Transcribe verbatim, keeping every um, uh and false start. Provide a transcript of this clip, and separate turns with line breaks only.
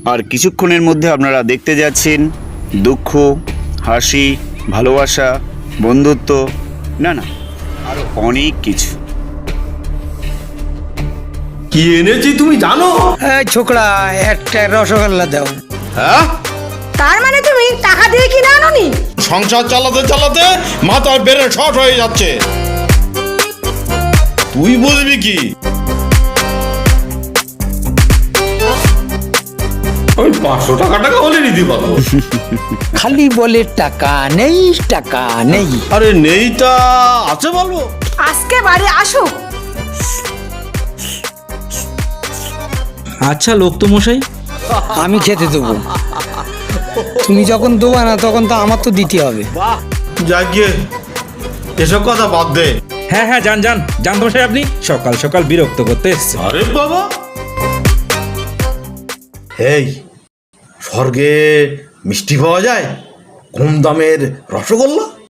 আর কিছুক্ষণের মধ্যে আপনারা দেখতে যাচ্ছেন দুঃখ, হাসি, ভালোবাসা, বন্ধুত্ব, না না আরো অনেক কিছু।
কি এনেছি তুমি জানো?
এই ছোকরা, একটা রসগোল্লা দাও।
হ্যাঁ,
তার মানে তুমি টাকা দিয়ে কিনে আনোনি?
সংসার চালাতে চালাতে মাথায় বেড়ে শর্ট হয়ে যাচ্ছে। তুই বুঝবি কি? ওই পাঁচশো টাকা টাকা হলে নিতে পারবো।
খালি বলে টাকা নেই, টাকা নেই।
আরে নেইটা আছে বলবো।
আজকে বাড়ি আসুক।
আচ্ছা লোক তো মশাই,
আমি খেতে দেবো। তুমি যখন দেবো না তখন তো আমার তো দিতে হবে।
যাক গিয়ে, এসব কথা বাদ দে।
হ্যাঁ হ্যাঁ যান যান যান তো মশাই, আপনি সকাল সকাল বিরক্ত করতে এসছে।
আরে বাবা, এই স্বর্গে মিষ্টি পাওয়া যায়, কম দামের রসগোল্লা।